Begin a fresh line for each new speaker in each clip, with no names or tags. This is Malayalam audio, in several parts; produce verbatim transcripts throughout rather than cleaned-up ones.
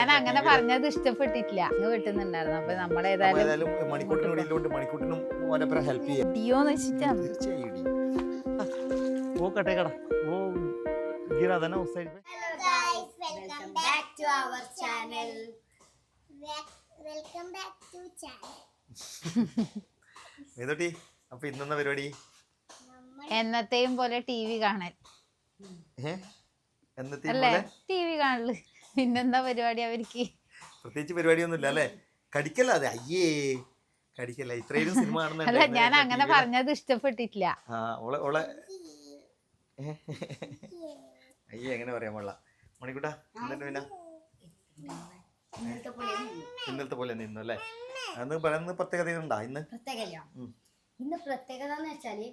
ഞാൻ അങ്ങനെ പറഞ്ഞത് ഇഷ്ടപ്പെട്ടിട്ടില്ല. അങ്ങ് വെട്ടുന്നുണ്ടായിരുന്നു. അപ്പൊ നമ്മളേതായാലും
മണിക്കൂട്ടിനോട് മണിക്കൂട്ടിനും ഓരോരുത്തരെ ഹെൽപ്പ് ചെയ്യാം.
ഇടിയോന്ന് വെച്ചിട്ടാണ്.
തീർച്ചയായും ഇടി. ഓ കട്ടെ കട ഓ गिरा था ना उस साइड पे.
Hello guys, welcome back to our channel. Welcome back to channel.
ഏതോട്ടി അപ്പൊ ഇന്നെന്താ പരിപാടി?
എന്നത്തെയും പോലെ ടി വി കാണൽ അല്ലേ? ടി വി കാണല് പിന്നെന്താ പരിപാടി അവർക്ക്?
പ്രത്യേകിച്ച് പരിപാടിയൊന്നുമില്ല അല്ലേ? കടിക്കല്ല അതെ. അയ്യേ കടിക്കല്ല. ഇത്രയും സിനിമ കാണുന്നുണ്ട്.
അല്ല ഞാൻ അങ്ങനെ പറഞ്ഞത് ഇഷ്ടപ്പെട്ടിട്ടില്ല.
ആ ഓളെ ഓളെ അയ്യേ എങ്ങനെ പറയാൻ പാടില്ല. മണിക്കൂട്ടാ എന്നിട്ട് പിന്നെ ഇന്നലത്തെ പോലെ നിന്നു അല്ലേ? അന്ന് പറയുന്നത് പ്രത്യേകത ഉണ്ടാ ഇന്ന്?
പ്രത്യേകത ഇന്ന് പ്രത്യേകത എന്ന് വെച്ചാല്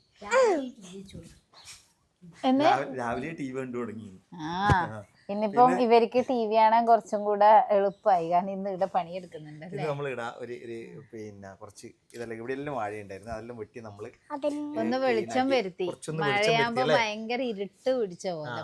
രാവിലെ ടി വി കണ്ടു തുടങ്ങി.
ഇന്നിപ്പം ഇവർക്ക് ടി വി കാണാൻ കുറച്ചും കൂടെ എളുപ്പമായി. കാരണം ഇന്ന് ഇവിടെ പണിയെടുക്കുന്നുണ്ട്.
ഇത് നമ്മൾ ഇടാ ഒരു പിന്നെ കുറച്ച് ഇതെല്ലാം ഇവിടെ എല്ലാം വാഴ ഉണ്ടായിരുന്നു. അതെല്ലാം വെട്ടി നമ്മള്
ഒന്ന് വെളിച്ചം വരുത്തി. മഴയാകുമ്പോ ഭയങ്കര ഇരുട്ട് പിടിച്ച പോലെ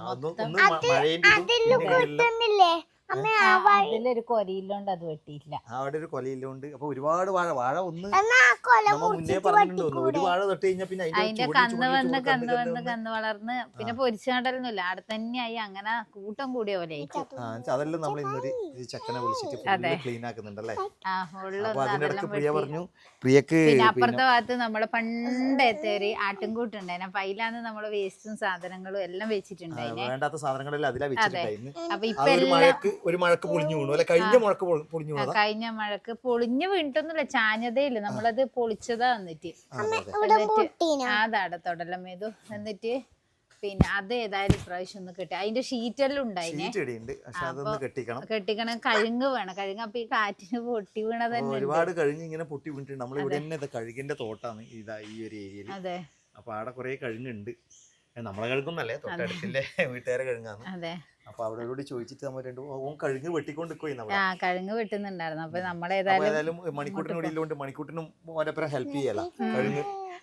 അതിലൊരു കൊലയില്ലോണ്ട് അത് വെട്ടിയില്ല.
അവിടെ ഒരു കൊലയില്ലോണ്ട് അപ്പൊ ഒരുപാട് വാഴ വാഴ ഒന്ന് മുന്നേ പറഞ്ഞിട്ടുണ്ടോ ഒരു വാഴ തൊട്ട് കഴിഞ്ഞാൽ പിന്നെ
അതിന്റെ കന്ന് വന്ന് കന്ന് വന്ന് കന്ന് വളർന്ന് പിന്നെ പൊരിച്ചാണ്ടലൊന്നുമില്ല. അവിടെ തന്നെയായി അങ്ങനെ കൂട്ടം കൂടിയ പോലെ
അതെല്ലാം നമ്മൾ ഇന്നൊരു ചെക്കനെ വിളിച്ചിട്ട് ക്ലീൻ ആക്കുന്നുണ്ടല്ലേ? അപ്പൊ അതിനിടക്ക് പ്രിയ പറഞ്ഞു പ്രിയക്ക്
പിന്നെ അപ്പുറത്തെ ഭാഗത്ത് നമ്മളെ പണ്ടത്തെ ഒരു ആട്ടിൻകൂട്ടുണ്ടായിരുന്നു. അപ്പൊ അതിലാണ് നമ്മളെ വേസ്റ്റും സാധനങ്ങളും എല്ലാം വെച്ചിട്ടുണ്ടായിരുന്നു.
വേണ്ടാത്ത സാധനങ്ങളെല്ലാം അതിലാ വെച്ചിട്ടുണ്ടായിരുന്നു.
അപ്പൊ ഇപ്പൊ എല്ലാം
ഒരു മഴക്ക് പൊളിഞ്ഞു വീണു അല്ലെ? കഴിഞ്ഞ മഴക്ക് പൊളിഞ്ഞു വീണു.
കഴിഞ്ഞ മഴക്ക് പൊളിഞ്ഞു വീണിട്ടൊന്നുമില്ല, ചാഞ്ഞതേ ഇല്ല. നമ്മളത് പൊളിച്ചതാ വന്നിട്ട് അതാടത്തോടെല്ലാം ഏതു എന്നിട്ട് പിന്നെ അത് ഏതായാലും ഇപ്രാവശ്യം ഒന്ന് കെട്ടി. അതിന്റെ ഷീറ്റെല്ലാം ഉണ്ടായിനെ. കെട്ടിക്കണം. കഴുങ്ങ് വേണം. കഴുങ്ങ് അപ്പൊ ഈ കാറ്റിന് പൊട്ടി വീണത് തന്നെ
ഒരുപാട് കഴുങ്ങ് ഇങ്ങനെ പൊട്ടി വീണിട്ടുണ്ട്. നമ്മൾ ഇവിടെ തന്നെ കഴുകിന്റെ തോട്ടാണ് ഇതാ ഈ ഒരു ഏരിയയിൽ.
അതെ.
അപ്പൊ അവിടെ കുറെ കഴുങ്ങുണ്ട്. നമ്മളെ കഴുകുന്നല്ലേ, തൊട്ടടുത്തില്ലേ വീട്ടുകാരെ കഴുകാന്ന്.
അതെ.
അപ്പൊ അവരോട് ചോദിച്ചിട്ട് നമ്മൾ രണ്ടു ഓൻ കഴുങ്ങ് വെട്ടിക്കൊണ്ടിരിക്കും.
ആ കഴുങ്ങ് വെട്ടുന്നുണ്ടായിരുന്നു. അപ്പൊ നമ്മളേതായാലും
മണിക്കൂട്ടിനോടില്ലോണ്ട് മണിക്കൂട്ടിനും ഓരോരുത്തരെ ഹെൽപ്പ് ചെയ്യല. കഴുങ്ങ്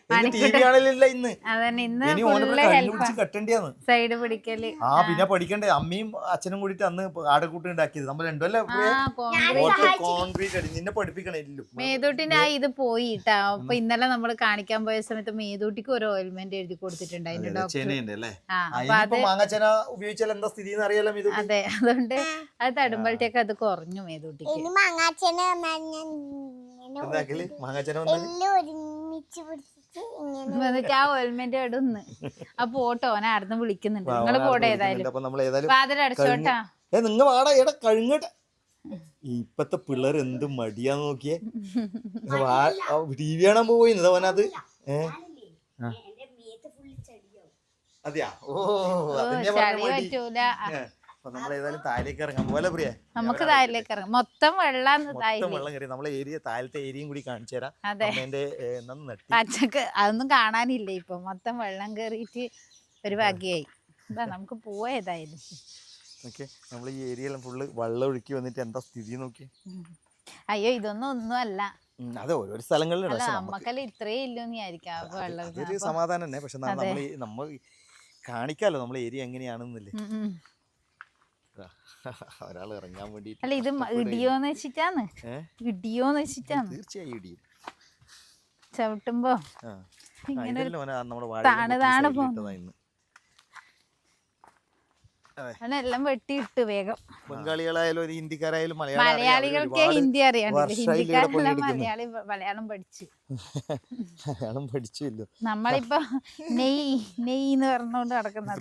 സൈഡ് പിടിക്കല്.
ആ പിന്നെ പഠിക്കണ്ടേ? അമ്മയും അച്ഛനും കൂടിട്ട് അന്ന് ആടക്കൂട്ട് ഉണ്ടാക്കിയത് നമ്മൾ രണ്ടുമല്ലേ കോൺക്രീറ്റ് അടി. നിന്നെ പഠിപ്പിക്കണേ.
മേതൂട്ടിന്റെ ആ ഇത് പോയിട്ടാ. അപ്പൊ ഇന്നലെ നമ്മള് കാണിക്കാൻ പോയ സമയത്ത് മേതൂട്ടിക്ക് ഒരു ഓയിൽമെന്റ് എഴുതി കൊടുത്തിട്ടുണ്ടായിരുന്നു.
ഉപയോഗിച്ചാൽ എന്താ സ്ഥിതി എന്ന് അറിയാലോ.
അതെ, അതുകൊണ്ട് അത് തടുമ്പോഴത്തേക്ക് അത് കുറഞ്ഞു മേതൂട്ടിക്ക്. എന്നിട്ട് ആ ഓയിൽമെന്റ് ഇടുന്ന് ആ പോട്ടോ ഓനെ ആടുന്ന് വിളിക്കുന്നുണ്ട്. നിങ്ങള് പോട്ടെ ഏതായാലും വാതിലടച്ചോട്ടാ.
നിങ്ങ വാടാ എടാ കഴുങ്ങട്ടെ. ഇപ്പത്തെ പിള്ളേർ എന്ത് മടിയാന്ന് നോക്കിയേ. ടി വി കാണാൻ പോയിന്നത് അവനത്. ഏഹ് അതെയാ? ഓ
ചളി പറ്റൂല.
നമ്മളേതായാലും താഴേക്ക് ഇറങ്ങാൻ പോലെ പ്രിയ.
നമുക്ക് താഴേക്ക് ഇറങ്ങാം. മൊത്തം വെള്ളം
വെള്ളം കയറി. നമ്മളെ ഏരിയ താഴത്തെ ഏരിയയും കൂടി കാണിച്ചു തരാം.
പച്ചക്ക് അതൊന്നും കാണാനില്ല ഇപ്പൊ. മൊത്തം വെള്ളം കയറിയിട്ട് ഒരു ഭാഗ്യായി. നമുക്ക് പോയതായാലും
നമ്മൾ ഈ ഏരിയയിലും ഫുള്ള് വെള്ളം ഒഴുക്കി വന്നിട്ട് എന്താ സ്ഥിതി നോക്കി.
അയ്യോ ഇതൊന്നും ഒന്നും അല്ല.
അതെ, ഓരോ സ്ഥലങ്ങളിലും
നമ്മക്കല്ല ഇത്രയും ഇല്ലെന്ന് വിചാരിക്കാം വെള്ളം.
അതൊരു സമാധാനം തന്നെ. പക്ഷെ നമ്മൾ നമ്മൾ കാണിക്കാലോ നമ്മളെ ഏരിയ എങ്ങനെയാണെന്നില്ലേ. ഒരാൾ ഇറങ്ങാൻ വേണ്ടി.
അല്ല ഇത് ഇടിയോന്ന് വെച്ചിട്ടാണ്. ഇടിയോന്ന് വെച്ചിട്ടാണ്.
തീർച്ചയായും ഇടിയും
ചവിട്ടുമ്പോ ഇങ്ങനെ താണ് താണ് പോകുന്നു. എല്ലാം വെട്ടിയിട്ട് വേഗം.
ബംഗാളികളായാലും ഹിന്ദിക്കാരായാലും
മലയാളികൾക്ക് ഹിന്ദി അറിയാണ്ടില്ല. ഹിന്ദിക്കാരെല്ലാം മലയാളി മലയാളം പഠിച്ചു
മലയാളം പഠിച്ചില്ലോ.
നമ്മളിപ്പോ നെയ് നെയ് എന്ന് പറഞ്ഞോണ്ട് നടക്കുന്നത്.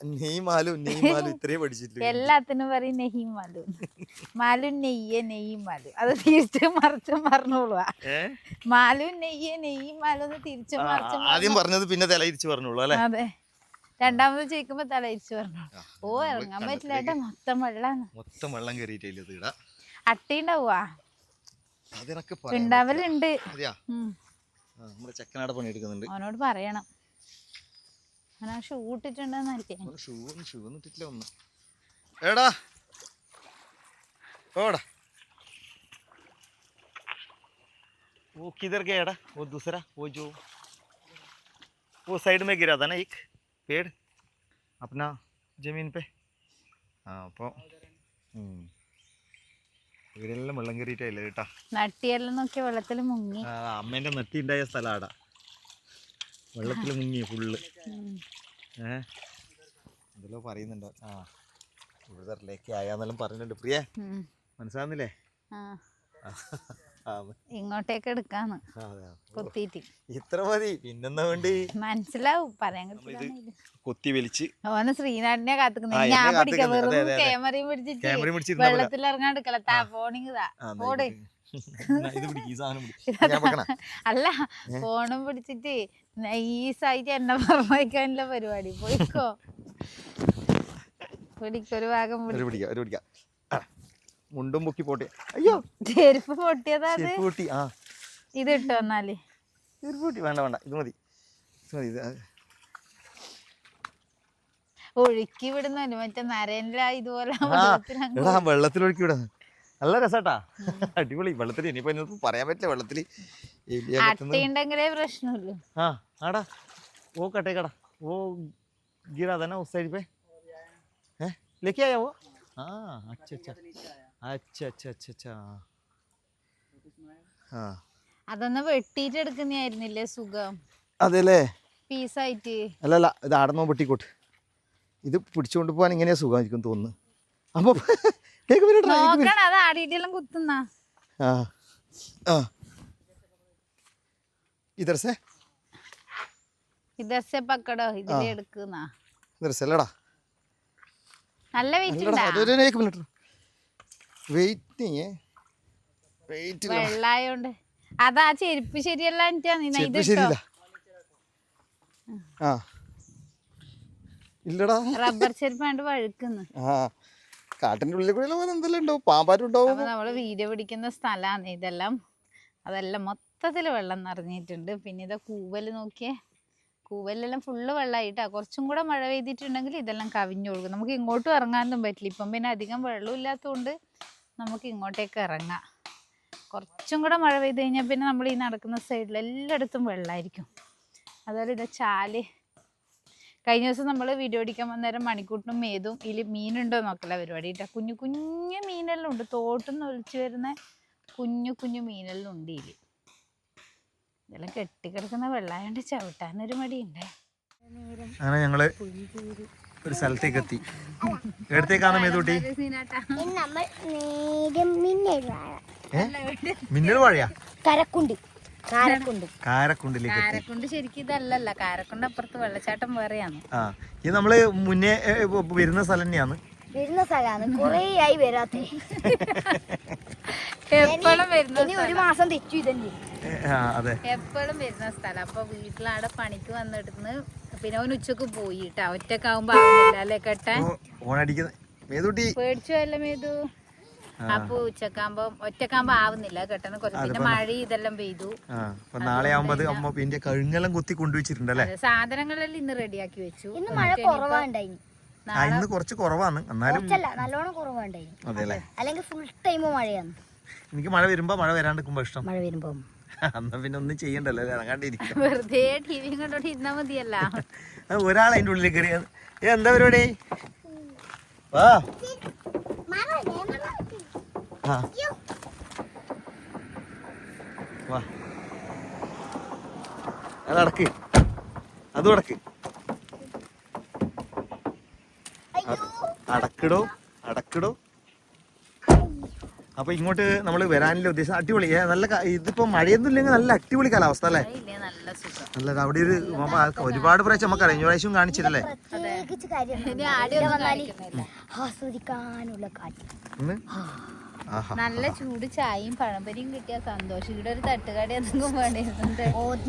എല്ലാത്തിനും പറയും നെയ്യും മാലു. മാലു നെയ്യ് നെയ്യും മാലു. അത് തിരിച്ചും മറിച്ചും പറഞ്ഞോളൂ. മാലു നെയ്യ് നെയ്യും മാലു എന്ന് തിരിച്ചും മറിച്ചും
ആദ്യം പറഞ്ഞത് പിന്നെ തലയിരിച്ചു പറഞ്ഞോളൂ അല്ലേ?
അതെ, രണ്ടാമത് ചോദിക്കുമ്പോ തലയിരിച്ചു പറഞ്ഞു. ഓ ഇറങ്ങാൻ പറ്റില്ല ഏട്ടാ, മൊത്തം വെള്ളാണ്.
മൊത്തം വെള്ളം കയറിയിട്ടില്ല.
അട്ടി ഉണ്ടാവുക ഉണ്ടാവലുണ്ട്.
ചെക്കനാടെ പണി എടുക്കുന്നുണ്ട്.
അവനോട് പറയണം. അവനാ ഷൂ ഇട്ടിട്ടുണ്ടെന്നല്ലേ.
ഷൂ ഷൂ ഇട്ടിട്ടില്ല ഒന്ന്. എടാ ഓടാ वो किधर गया एड़ा? वो दूसरा वो जो वो साइड में गिरा था ना एक पेड़ अपना जमीन पे. हाँ അപ്പോൾ ഇവരെല്ലാം വെള്ളം കയറിയിട്ടില്ല കേട്ടാ.
നട്ടിയെല്ലാം നോക്കിയ വെള്ളത്തിൽ മുങ്ങി.
അമ്മേന്റെ നെട്ടി ഉണ്ടായ സ്ഥലമാടാ, വെള്ളത്തിൽ മുങ്ങി ഫുള്ള്. ഏഹ് എന്തെല്ലോ പറയുന്നുണ്ടോ? ആ കൂടുതലേക്ക് ആയാന്നെല്ലാം പറഞ്ഞിട്ടുണ്ട്. പ്രിയ മനസ്സിലാവുന്നില്ലേ?
ഇങ്ങോട്ടേക്ക് എടുക്കാന്ന് കൊത്തിയിട്ട്.
ഇത്ര മതി, പിന്നെന്താ വേണ്ടി?
മനസ്സിലാവും, പറയാൻ
കൊത്തി വലിച്ച്.
ഓന് ശ്രീനാടിനെ കാത്തുക്കുന്നത്. ഞാൻ പിടിക്കാം, വെറും ക്യാമറയും പിടിച്ചിട്ട് വെള്ളത്തിൽ ഇറങ്ങാൻ എടുക്കല. താ ഫോണിങ് ഓട്. അല്ല, ഫോണും പിടിച്ചിട്ട് നൈസായിട്ട് എന്നെ പറഞ്ഞയക്കാനുള്ള പരിപാടി. പോയിക്കോ, പിടിക്കൊരു ഭാഗം
പിടിക്കാം. മുണ്ടും പൊക്കി പോട്ടെ. അയ്യോ,
ചെരുപ്പ് പൊട്ടിയതാ.
പൊട്ടി. ആ
ഇത് ഇട്ടോ എന്നാല്.
പൊട്ടി വേണ്ട വേണ്ട, ഇത് മതി.
ഒഴുക്കി വിടുന്നല്ലോ മറ്റേ നരേന്ദ്ര ഇതുപോലെ
വെള്ളത്തിലൊഴുക്കി വിടാ. നല്ല രസാട്ടാ, അടിപൊളി. വെള്ളത്തിൽ ഇനിയിപ്പോ ഇന്നത്തെ പറയാൻ പറ്റില്ല. വെള്ളത്തില്
അട്ടയുണ്ടെങ്കിലേ പ്രശ്നമില്ല.
ആ ആടാ, ഓ കട്ടേ കടാ, ഓ ഗിरा था ना उस साइड पे, है लेके आया वो? हाँ अच्छा अच्छा अच्छा अच्छा अच्छा अच्छा हाँ
അതൊന്ന് വെട്ടിയിട്ട് എടുക്കുന്നതായിരുന്നില്ലേ സുഖം?
അതെല്ലേ,
പീസായിട്ട്.
അല്ലല്ല, ഇത് ആടന്നോ വെട്ടിക്കോട്ട്. ഇത് പിടിച്ചുകൊണ്ട് പോകാൻ ഇങ്ങനെയാ സുഖമായിരിക്കും തോന്നുന്നു. അപ്പൊ
നോക്കണം, അത് ആടിയിട്ടെല്ലാം കുത്തുന്ന.
ആ ആ इधर से
इधर से पकड़ो, ഇതിലെ എടുക്കുന്ന.
इधर से लड़ा
നല്ല വെയിറ്റ് ഉണ്ട്.
अरे एक मिनट, वेट नहीं है, वेट
വെള്ളായോണ്ട്. അതാ ചെരുപ്പ് ശരിയല്ല.
ചെരുപ്പ് ശരിയില്ല. ആ ഇല്ലടാ,
റബ്ബർ ചെരുപ്പാണ്ട് വഴുക്കുന്നു.
ആ കാട്ടിന്റെ ഉള്ളിൽ കൂടെ എന്തെല്ലാം ഉണ്ടാവും, പാമ്പാരും ഉണ്ടാവും.
അപ്പൊ നമ്മള് വീഡിയോ പിടിക്കുന്ന സ്ഥലമാണ് ഇതെല്ലാം. അതെല്ലാം മൊത്തത്തിൽ വെള്ളം നിറഞ്ഞിട്ടുണ്ട്. പിന്നെ ഇതാ കൂവല് നോക്കിയേ, കൂവലെല്ലാം ഫുള്ള് വെള്ളമായിട്ടാ. കുറച്ചും കൂടെ മഴ പെയ്തിട്ടുണ്ടെങ്കിൽ ഇതെല്ലാം കവിഞ്ഞു കൊടുക്കും. നമുക്ക് ഇങ്ങോട്ടും ഇറങ്ങാനൊന്നും പറ്റില്ല. ഇപ്പം പിന്നെ അധികം വെള്ളം ഇല്ലാത്തതുകൊണ്ട് നമുക്ക് ഇങ്ങോട്ടേക്ക് ഇറങ്ങാം. കുറച്ചും കൂടെ മഴ പെയ്ത് കഴിഞ്ഞാൽ പിന്നെ നമ്മൾ ഈ നടക്കുന്ന സൈഡിൽ എല്ലായിടത്തും വെള്ളമായിരിക്കും. അതുപോലെ ഇതാ ചാല്. കഴിഞ്ഞ ദിവസം നമ്മൾ വീഡിയോ പിടിക്കാൻ വന്നേരം മണിക്കൂട്ടിനും മേതും ഇതിൽ മീനുണ്ടോ നോക്കല പരിപാടി കേട്ടോ. കുഞ്ഞു കുഞ്ഞു മീനെല്ലാം ഉണ്ട്, തോട്ടിന്ന് ഒലിച്ചു വരുന്ന കുഞ്ഞു കുഞ്ഞു മീനെല്ലാം ഉണ്ട് ഇതിൽ. ഇതെല്ലാം കെട്ടിക്കിടക്കുന്ന വെള്ളമായോണ്ട് ചവിട്ടാനൊരു മടിയുണ്ടേ.
അങ്ങനെ ഞങ്ങള് ഒരു സ്ഥലത്തേക്ക് എത്തി. എടുത്തേക്കാണ് മേതൂട്ടി. മിന്നൽ വാഴയാ?
കരക്കുണ്ട്. കാരക്കുണ്ട്.
കാരക്കുണ്ടിലേക്ക്.
കാരക്കുണ്ട് ശരിക്കും ഇതല്ലല്ല, കാരക്കുണ്ട് അപ്പുറത്ത് വെള്ളച്ചാട്ടം വേറെയാണ്.
ആ ഇത് നമ്മള് മുന്നേ വരുന്ന സ്ഥലം തന്നെയാണ്.
വരുന്ന സ്ഥലമാണ്, കൊറേ ആയി വരാത്ത.
എപ്പോഴും വരുന്ന,
ഒരു മാസം തെറ്റു ഇതല്ലേ.
എപ്പോഴും വരുന്ന സ്ഥലം. അപ്പൊ വീട്ടിലാടെ പണിക്ക് വന്നിടുന്ന് പിന്നെ അവൻ ഉച്ചക്ക് പോയിട്ടാ. ഒറ്റക്കാവുമ്പോ ആവുന്നില്ല അല്ലേ കെട്ടാൻ. പേടിച്ചു അല്ലേ മേതു? അപ്പൊ ഉച്ചക്കാകുമ്പോ ഒറ്റക്കാകുമ്പോ ആവുന്നില്ല കെട്ടാൻ. കുറച്ച് പിന്നെ മഴ ഇതെല്ലാം പെയ്തു.
നാളെ ആവുമ്പോ കഴുങ്ങെല്ലാം കുത്തി കൊണ്ടുവച്ചിട്ടുണ്ടല്ലേ.
സാധനങ്ങളെല്ലാം ഇന്ന് റെഡിയാക്കി വെച്ചു.
ഇന്ന് മഴ കുറവാണ്ടായി.
ഇന്ന് കുറച്ച് കുറവാണ്, എന്നാലും
നല്ലോണം കുറവുണ്ടായി. അല്ലെങ്കിൽ ഫുൾ ടൈം മഴയാണ്.
എനിക്ക് മഴ വരുമ്പോ മഴ വരാണ്ടിരിക്കുമ്പോ ഇഷ്ടം.
മഴ വരുമ്പോ
എന്നാ പിന്നെ ഒന്നും ചെയ്യണ്ടല്ലോ, ഇറങ്ങാണ്ടിരിക്കും.
വെറുതെ ടി വി കണ്ടോണ്ട് ഇരുന്നാ മതിയല്ല.
ഒരാൾ അതിന്റെ ഉള്ളിൽ കയറിയത്. ഏ എന്താ പരിപാടി? വാ വാ അത് അടക്ക്, അതും അടക്ക്. അടക്കിടോ അടക്കിടോ. അപ്പൊ ഇങ്ങോട്ട് നമ്മള് വരാനുള്ള ഉദ്ദേശം അടിപൊളി. നല്ല ഇതിപ്പോ മഴയൊന്നും ഇല്ലെങ്കിൽ നല്ല അടിപൊളി കാലാവസ്ഥ അല്ലേ? നല്ലത്. അവിടെ ഒരു ഒരുപാട് പ്രാവശ്യം നമുക്ക് കഴിഞ്ഞ പ്രാവശ്യം കാണിച്ചിട്ടല്ലേ.
ആസ്വദിക്കാനുള്ള കാറ്റ്.
നല്ല ചൂട് ചായയും പഴംപരിയും കിട്ടിയ സന്തോഷം. ഇവിടെ ഒരു തട്ടുകട എന്തെങ്കിലും വേണ്ടിയിരുന്നുണ്ട്.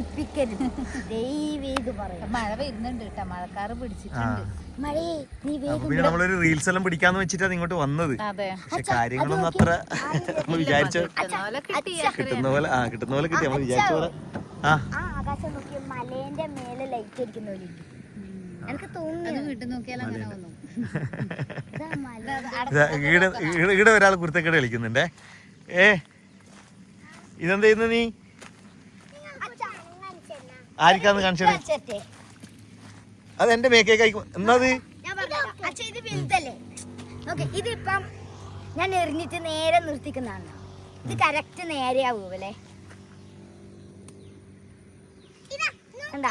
മഴ വരുന്നുണ്ട് കേട്ടോ, മഴക്കാറ് പിടിച്ചിട്ടുണ്ട്.
പിന്നെ നമ്മളൊരു റീൽസ് എല്ലാം പിടിക്കാന്ന് വെച്ചിട്ടാണ് ഇങ്ങോട്ട് വന്നത്. പക്ഷെ കാര്യങ്ങളൊന്നും അത്ര നമ്മൾ വിചാരിച്ച കിട്ടുന്ന പോലെ ആ കിട്ടുന്ന പോലെ കിട്ടി. നമ്മൾ വിചാരിച്ച പോലെ ആ
ആകാശം നോക്കിയ മലേന്റെ മേലെ ലൈറ്റ് അടിക്കുന്ന പോലെ എനിക്ക് തോന്നുന്നു.
ഈടെ ഒരാൾ കുരുത്തക്കേട് കളിക്കുന്നുണ്ടേ. ഏ ഇതെന്താ ചെയ്യുന്ന നീ? ആർക്കാന്ന് കാണിച്ചേ? അത് എന്റെ മേക്കേക്ക് എന്നാ?
ഇതിപ്പം ഞാൻ എറിഞ്ഞിട്ട് നേരെ നിർത്തിക്കുന്നതാണ്. ഇത് കറക്റ്റ് നേരെയാവൂ അല്ലേ? എന്താ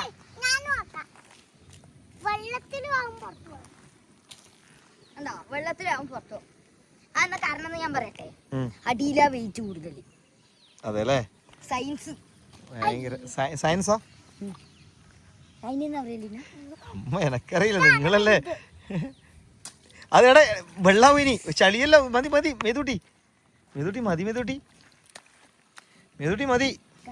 എന്താ വെള്ളത്തിലാവും പുറത്തു. അതെന്നാ കാരണം എന്ന് ഞാൻ പറയട്ടെ, അടിയിലാ വെയിറ്റ് കൂടുതൽ.
അതെല്ലേ?
സയൻസ്
സയൻസോ?
അതിനെന്നാ പറയലില്ല.
അമ്മ എനക്കറിയില്ല, നിങ്ങളല്ലേ. അതെടെ വെള്ളാവും ഇനി, ചളിയല്ല. മതി മതി മേതൂട്ടി, മേതൂട്ടി മതി, മേതൂട്ടി മേതൂട്ടി മതി.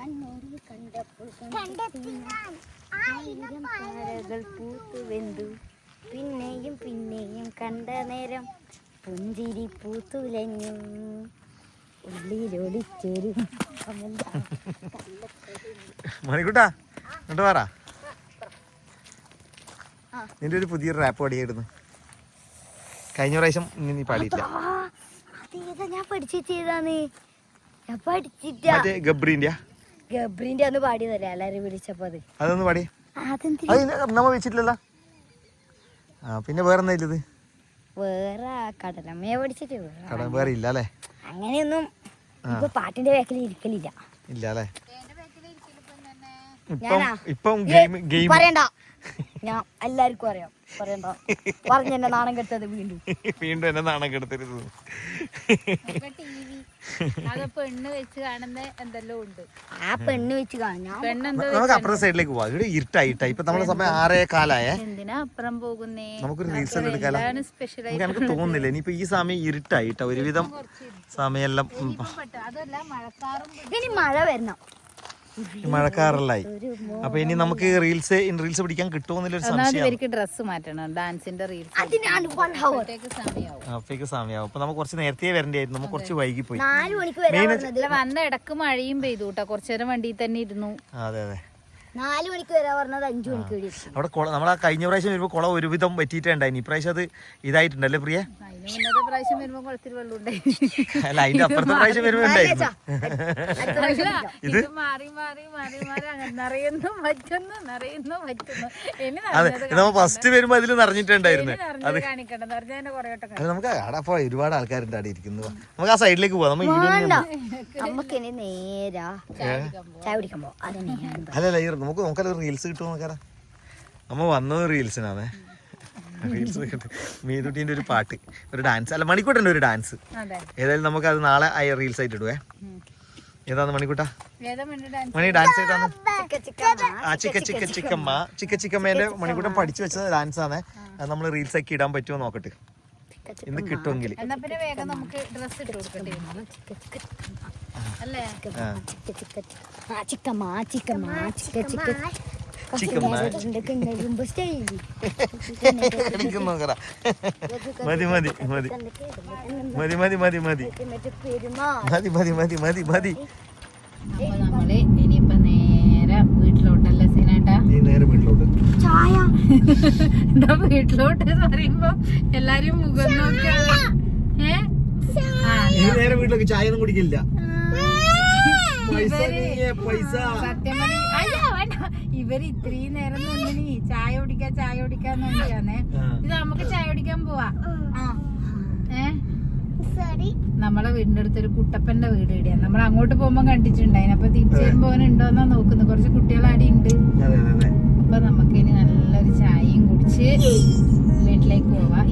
പിന്നെയും പിന്നെയും കണ്ട നേരം പുഞ്ചിരി പൂത്തുലഞ്ഞു ഉള്ളിലൊളിച്ചൊരു
മണിക്കുട്ടാ എന്നിട്ട് പറ, നിന്റെ ഒരു പുതിയൊരു റാപ്പ് പാടിയായിരുന്നു കഴിഞ്ഞ പ്രാവശ്യം. നീ പാടിയില്ല.
അതേതാ ഞാൻ പഠിച്ചു ചെയ്താന്ന്? ഞാൻ പഠിച്ചിട്ട
മറ്റേ ഗബ്രീന്റെ
ഗബ്രീന്റെ ഒന്ന് പാടിയതല്ലേ എല്ലാരും വിളിച്ചപ്പോ. അത്
അതൊന്ന് പാടി.
അതെന്തിനാ
അത് നമ്മ വെച്ചിട്ടില്ലല്ലോ. ആ പിന്നെ വേറെ എന്താ ഇല്ലത്?
വേറെ കടലമ്മയെ പഠിച്ചിട്ട്
കട വേറെ ഇല്ല അല്ലേ?
അങ്ങനെയൊന്നും ഇപ്പൊ പാട്ടിന്റെ ബാക്കിൽ ഇരിക്കലില്ല.
ഇല്ല അല്ലേ?
ഞാനാ?
ഇപ്പം ഗെയിം ഗെയിം
പറയണ്ട, ഞാൻ എല്ലാവർക്കും അറിയാം. പറയണ്ട, പറഞ്ഞെന്നെ നാണം കെടുത്തത് വീണ്ടും
വീണ്ടും എന്നെ നാണം കെടുത്തരുത്.
അത് പെണ്ണ് വെച്ച് കാണുന്ന എന്തെല്ലോ ഉണ്ട്.
ആ പെണ്ണ് വെച്ച് കാണാം.
പെണ്ണെന്താ
നമുക്ക് അപ്പുറത്തെ സൈഡിലേക്ക് പോവാം. ഇവിടെ ഇരുട്ടായിട്ടാ. ഇപ്പൊ നമ്മളെ സമയം ആറേ കാലായേ.
എന്തിനാ അപ്പുറം പോകുന്നേ?
നമുക്കൊരു റീൽസ് എല്ലാം എടുക്കാലോ.
സ്പെഷ്യൽ
നമുക്ക് എനിക്ക് തോന്നുന്നില്ല ഇനിയിപ്പോ ഈ സമയം ഇരുട്ടായിട്ടാ. ഒരുവിധം സമയെല്ലാം
അതല്ല മഴക്കാറും
ഇനി മഴ വരണം.
മഴക്കാറല്ലായി. അപ്പൊ ഇനി നമുക്ക് റീൽസ് റീൽസ് പിടിക്കാൻ കിട്ടുമെന്നുള്ളൊരു സംശയം.
ഇവർക്ക് ഡ്രസ്സ് മാറ്റണം, ഡാൻസിന്റെ റീൽസ്
അതിനാണ് one hour.
സമയമാവും.
അപ്പേക്ക് സമയമാവും. അപ്പൊ നമുക്ക് കുറച്ച് നേരത്തെ വരണ്ടായിരുന്നു. നമുക്ക് കുറച്ച് വൈകി പോയി.
നാല് മണിക്ക് വരാൻ പറഞ്ഞത്.
വന്ന ഇടക്ക് മഴയും പെയ്തു കേട്ടോ. കുറച്ചു നേരം വണ്ടിയിൽ തന്നെ ഇരുന്നു.
അതെ അതെ.
നാല് മണിക്ക് വരാൻ പറഞ്ഞത് അഞ്ചു മണിക്ക് വരും.
അവിടെ കുള നമ്മളാ കഴിഞ്ഞ പ്രാവശ്യം വരുമ്പോ കുളം ഒരുവിധം പറ്റിയിട്ടുണ്ടായിന്. ഇപ്രാവശ്യം അത് ഇതായിട്ടുണ്ടല്ലേ പ്രിയ?
അതിന് മുന്നത്തെ പ്രാവശ്യം വരുമ്പോ കുളത്തിൽ വെള്ളം ഉണ്ടായി.
അല്ല അതിന്റെ അപ്പുറത്തെ പ്രാവശ്യം വരുമ്പോ ഉണ്ടായിരുന്നു.
ഇത് മാറി മാറി മാറി മാറി അങ്ങനെ നിറയുന്നു പറ്റുന്നു നിറയുന്നു പറ്റുന്നു. ഇനി
അതെ നമ്മ ഫസ്റ്റ് വരുമ്പോ അതിൽ നിറഞ്ഞിട്ടുണ്ടായിരുന്നു.
അത് കാണിക്കണ്ട, നിറഞ്ഞതിന്റെ കുറെ വട്ടം
അത് നമുക്ക് അവിടെ അപ്പൊ ഒരുപാട് ആൾക്കാരുണ്ട് അവിടെ ഇരിക്കുന്നത്. നമുക്ക് ആ സൈഡിലേക്ക് പോവാം. നമ്മ
നമുക്ക് ഇനി നേരാ ചായ കുടിക്കാൻ പോവാം. അതന്നെ
അല്ലല്ല ഈ നമുക്ക് നോക്കാലോ റീൽസ് കിട്ടുമോ നോക്കാറാ. നമ്മ വന്നത് റീൽസിനാണേ. റീൽസ് കിട്ടും. മീതുട്ടീൻ്റെ ഒരു പാട്ട്, ഒരു ഡാൻസ്, അല്ല മണിക്കൂട്ടൻ്റെ ഒരു ഡാൻസ്. ഏതായാലും നമുക്ക് അത് നാളെ റീൽസ് ആയിട്ട് ഇടുവേ. ഏതാന്ന് മണിക്കൂട്ട? മണി ഡാൻസ് ഏതാന്ന്? ആ ചിക്ക ചിക്ക ചിക്കമ്മ. ചിക്ക ചിക്കമ്മേന്റെ മണിക്കൂട്ടൻ പഠിച്ചു വെച്ച ഡാൻസ് ആണ്. അത് നമ്മൾ റീൽസ് ആക്കി ഇടാൻ പറ്റുമോ നോക്കട്ടെ, ഇന്ന് കിട്ടുമെങ്കിൽ. മതി മതി മതി മതി മതി മതി മതി മതി മതി മതി മതി.
അപ്പൊ നമ്മള് ഇനിയിപ്പൊ നേരെ വീട്ടിലോട്ടല്ലേ സീനേട്ടാ?
നീ നേരെ വീട്ടിലോട്ട്.
ചായ
എന്താ വീട്ടിലോട്ട് എന്ന് പറയുമ്പോ എല്ലാരും മുഖം നോക്കിയാണ്. ഏഹ്
നീ നേരെ വീട്ടിലേക്ക് ചായ ഒന്നും കുടിക്കില്ല.
സത്യം പറഞ്ഞ അല്ല വേണ്ട, ഇവര് ഇത്രയും നേരം നിന്നിനി ചായ കുടിക്കാ ചായ കുടിക്കാന്ന് വേണ്ടിയാന്നേ. ഇത് നമുക്ക് ചായ കുടിക്കാൻ പോവാ. ഏ നമ്മളെ വീടിന്റെ അടുത്തൊരു കുട്ടപ്പന്റെ വീട് ഇടിയാ. നമ്മൾ അങ്ങോട്ട് പോകുമ്പോ കണ്ടിട്ടുണ്ടായിന്. അപ്പൊ തിരിച്ചു വരുമ്പോ ഉണ്ടോന്നാ നോക്കുന്നത്. കുറച്ച് കുട്ടികൾ അടി ഉണ്ട്. അപ്പൊ നമുക്ക് ഇനി നല്ലൊരു ചായയും കുടിച്ച് വീട്ടിലേക്ക് പോവാം.